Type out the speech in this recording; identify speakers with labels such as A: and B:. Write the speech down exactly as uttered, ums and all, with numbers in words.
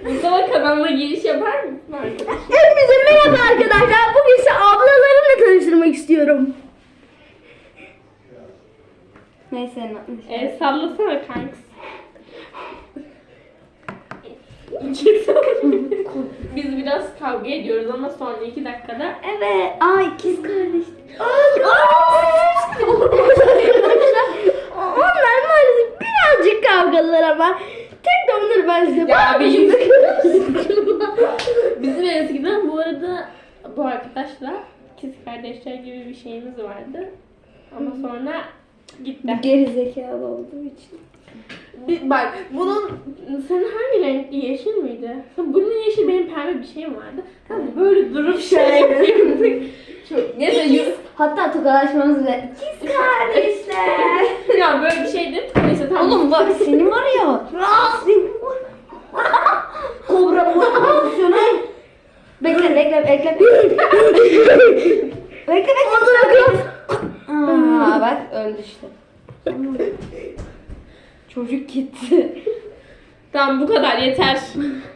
A: Mustafa kanalına giriş yapar mısın arkadaşlar?
B: Hepinize merhaba arkadaşlar. Bugün size ablalarımla tanıştırmak istiyorum. Neyse.
A: E, sallasana kanks. Biz biraz kavga ediyoruz ama son iki dakikada.
B: Evet. Aa ikiz kardeş. Onlar maalesef birazcık kavgalılar ama tek de onları ben size
A: Ya
B: bağırmışım.
A: Bizim eskiden bu arada bu arkadaşla ikiz kardeşler gibi bir şeyimiz vardı. Ama sonra gitti.
B: Geri zekalı olduğu için.
A: Bir- Bak bunun senin hangi renkli yeşil miydi? Bunun yeşil benim pembe bir şeyim vardı. Tamam mı? Böyle durup şey yapıyorduk. Çok neyse yürü.
B: Hatta tokalaşmamız bile. İkiz kardeşler.
A: Ya böyle bir şeydi. Neyse tamam.
B: Oğlum bak senin var ya. Senin var. Kobra pozisyonu. Bekle bekle bekle. bekle bekle. Aa bak öldü işte. Çocuk gitti.
A: Tamam bu kadar yeter.